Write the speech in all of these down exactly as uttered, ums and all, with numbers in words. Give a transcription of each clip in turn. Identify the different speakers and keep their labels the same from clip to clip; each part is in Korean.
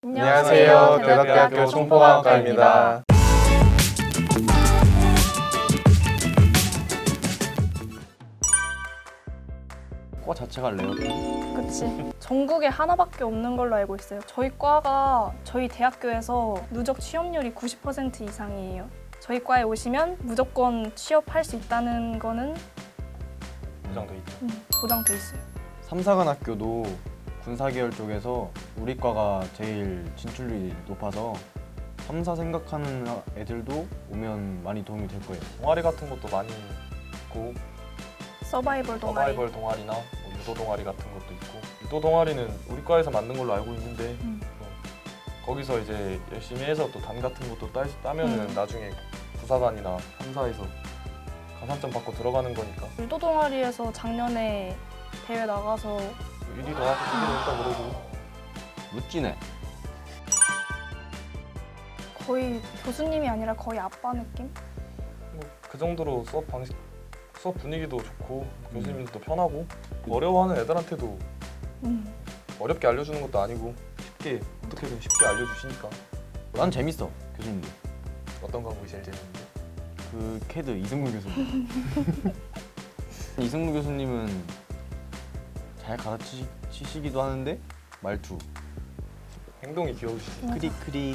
Speaker 1: 안녕하세요. 대덕대학교 총포과학과입니다.
Speaker 2: 과 자체가 레어템?
Speaker 3: 그치. 전국에 하나밖에 없는 걸로 알고 있어요. 저희 과가 저희 대학교에서 누적 취업률이 구십 퍼센트 이상이에요. 저희 과에 오시면 무조건 취업할 수 있다는 거는
Speaker 1: 보장돼 있죠.
Speaker 3: 음, 보장돼 있어요.
Speaker 2: 삼사관학교도 군사계열 쪽에서 우리 과가 제일 진출률이 높아서 삼사 생각하는 애들도 오면 많이 도움이 될 거예요.
Speaker 1: 동아리 같은 것도 많이 있고
Speaker 3: 서바이벌 동아리.
Speaker 1: 서바이벌 동아리나 뭐 유도 동아리 같은 것도 있고 유도 동아리는 우리 과에서 만든 걸로 알고 있는데
Speaker 3: 음.
Speaker 1: 어, 거기서 이제 열심히 해서 또 단 같은 것도 따, 따면은
Speaker 3: 음.
Speaker 1: 나중에 부사관이나 삼사에서 가산점 받고 들어가는 거니까
Speaker 3: 유도 동아리에서 작년에 대회 나가서
Speaker 1: 일 위도 하고 이 위도 했다 그러고
Speaker 2: 루찌네.
Speaker 3: 거의 교수님이 아니라 거의 아빠 느낌?
Speaker 1: 뭐 그 정도로 수업 방식 수업 분위기도 좋고 교수님들도 편하고 어려워하는 애들한테도
Speaker 3: 음.
Speaker 1: 어렵게 알려주는 것도 아니고 쉽게 어떻게든 쉽게 알려주시니까.
Speaker 2: 난 재밌어, 교수님들.
Speaker 1: 어떤 과목이 제일 재밌는데?
Speaker 2: 그 캐드 이승무 교수님. 이승무 교수님은 잘 가르치시기도 하는데 말투
Speaker 1: 행동이 귀여우시지.
Speaker 3: 맞아.
Speaker 2: 크릭크릭.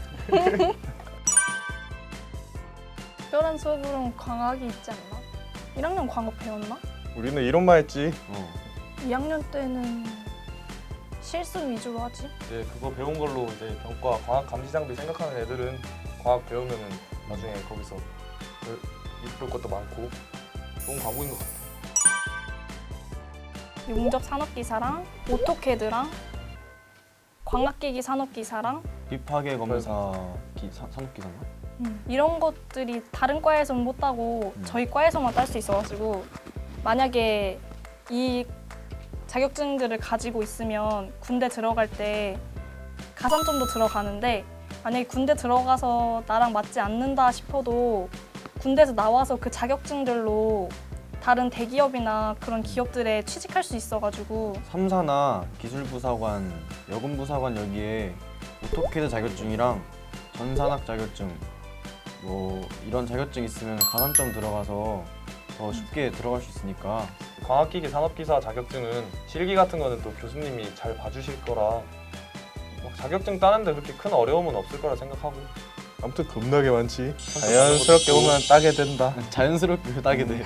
Speaker 3: 특별한 수업으로는 광학이 있지 않나? 일 학년 광학 배웠나?
Speaker 1: 우리는 이론만 했지.
Speaker 2: 어.
Speaker 3: 이 학년 때는 실습 위주로 하지.
Speaker 1: 이제 그거 배운 걸로 이제 병과 과학 감시 장비 생각하는 애들은 과학 배우면은 나중에 거기서 이쁠 것도 많고 좋은 과목인 것 같아.
Speaker 3: 용접 산업기사랑 오토캐드랑 광학기기 산업기사랑
Speaker 2: 힙하게 검사 기, 사, 산업기사인가?
Speaker 3: 음, 이런 것들이 다른 과에서는 못 따고
Speaker 2: 음.
Speaker 3: 저희 과에서만 딸 수 있어가지고 만약에 이 자격증들을 가지고 있으면 군대 들어갈 때 가산점도 들어가는데 만약에 군대 들어가서 나랑 맞지 않는다 싶어도 군대에서 나와서 그 자격증들로 다른 대기업이나 그런 기업들에 취직할 수 있어가지고
Speaker 2: 삼사나 기술부사관, 여군부사관 여기에 오토캐드 자격증이랑 전산학 자격증 뭐 이런 자격증 있으면 가산점 들어가서 더 쉽게 들어갈 수 있으니까.
Speaker 1: 광학기기 산업기사 자격증은 실기 같은 거는 또 교수님이 잘 봐주실 거라 막 자격증 따는데 그렇게 큰 어려움은 없을 거라 생각하고 아무튼 겁나게 많지. 자연스럽게 오면 따게 된다.
Speaker 2: 자연스럽게 따게 돼.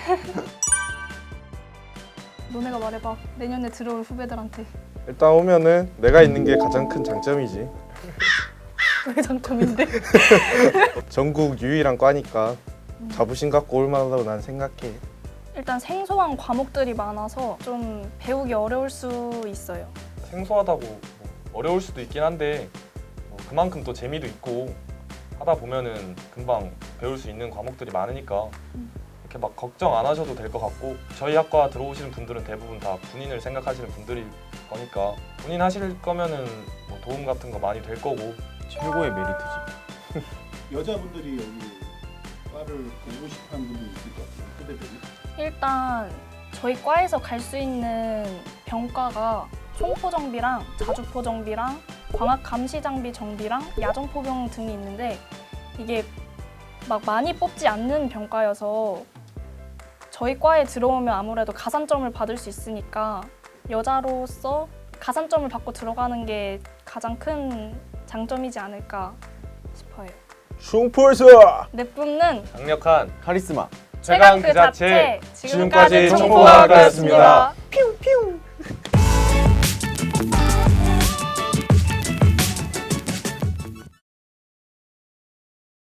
Speaker 3: 너네가 말해봐. 내년에 들어올 후배들한테
Speaker 1: 일단 오면은 내가 있는 게 가장 큰 장점이지.
Speaker 3: 왜 장점인데?
Speaker 1: 전국 유일한 과니까 자부심 갖고 올 만하다고 난 생각해.
Speaker 3: 일단 생소한 과목들이 많아서 좀 배우기 어려울 수 있어요.
Speaker 1: 생소하다고 뭐 어려울 수도 있긴 한데 뭐 그만큼 또 재미도 있고 하다 보면은 금방 배울 수 있는 과목들이 많으니까
Speaker 3: 음.
Speaker 1: 이렇게 막 걱정 안 하셔도 될 것 같고 저희 학과 들어오시는 분들은 대부분 다 군인을 생각하시는 분들일 거니까 군인 하실 거면은 뭐 도움 같은 거 많이 될 거고
Speaker 2: 최고의 메리트지.
Speaker 4: 여자분들이 여기 과를 보고 싶어하는 분들이 있을 것 같아요. 후배들이.
Speaker 3: 일단 저희 과에서 갈 수 있는 병과가 총포정비랑 자주포정비랑 광학감시장비 정비랑 야전포병 등이 있는데 이게 막 많이 뽑지 않는 병과여서 저희 과에 들어오면 아무래도 가산점을 받을 수 있으니까 여자로서 가산점을 받고 들어가는 게 가장 큰 장점이지 않을까 싶어요.
Speaker 1: 충포에서
Speaker 3: 내뿜는
Speaker 1: 강력한
Speaker 2: 카리스마.
Speaker 1: 최강 그 자체
Speaker 3: 지금까지
Speaker 1: 지금까지
Speaker 3: 총포과학과였습니다.
Speaker 1: 총포과학과였습니다.